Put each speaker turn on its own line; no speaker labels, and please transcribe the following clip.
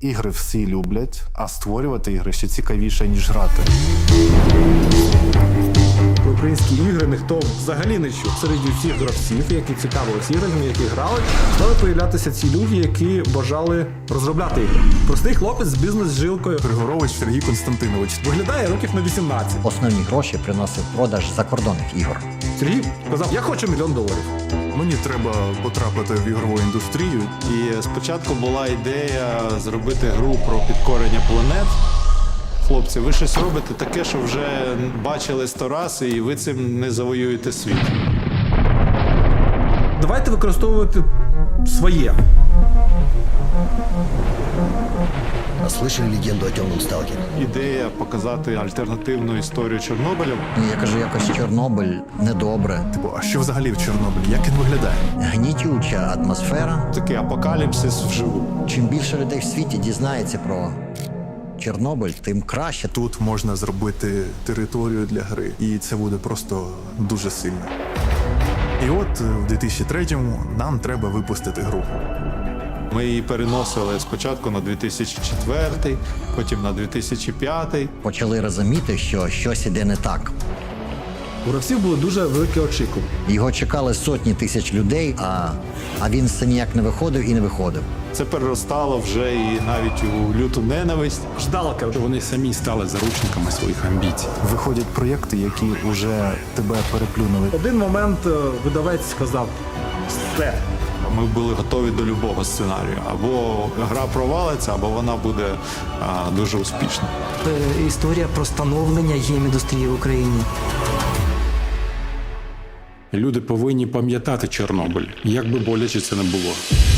Ігри всі люблять, а створювати ігри ще цікавіше, ніж грати.
Про українські ігри ніхто взагалі не чув. Серед всіх гравців, які цікавились іграми, які грали, стали появлятися ці люди, які бажали розробляти ігри. Простий хлопець з бізнес-жилкою.
Григорович Сергій Константинович.
Виглядає років на 18.
Основні гроші приносив продаж закордонних ігор.
Сергій сказав, я хочу $1 мільйон.
Мені треба потрапити в ігрову індустрію.
І спочатку була ідея зробити гру про підкорення планет. Хлопці, ви щось робите таке, що вже бачили 100 раз, і ви цим не завоюєте світ.
Давайте використовувати своє.
А слышали легенду о темном сталкере?
Ідея показати альтернативну історію Чорнобиля.
Я кажу, якось Чорнобиль недобре.
Типу, а що взагалі в Чорнобилі? Як він виглядає?
Гнітюча атмосфера.
Такий апокаліпсис вживу.
Чим більше людей в світі дізнається про Чорнобиль, тим краще.
Тут можна зробити територію для гри, і це буде просто дуже сильно. І от в 2003-му нам треба випустити гру.
Ми її переносили спочатку на 2004, потім на 2005.
Почали розуміти, що щось іде не так.
У гравців були дуже великі очікування.
Його чекали сотні тисяч людей, а він все ніяк не виходив і не виходив.
Це переростало вже і навіть у люту ненависть.
Ждалка.
Вони самі стали заручниками своїх амбіцій.
Виходять проєкти, які вже тебе переплюнули.
В один момент видавець сказав, все.
Ми були готові до любого сценарію. Або гра провалиться, або вона буде дуже успішна.
Історія про становлення гейм-індустрії в Україні.
Люди повинні пам'ятати Чорнобиль, як би боляче це не було.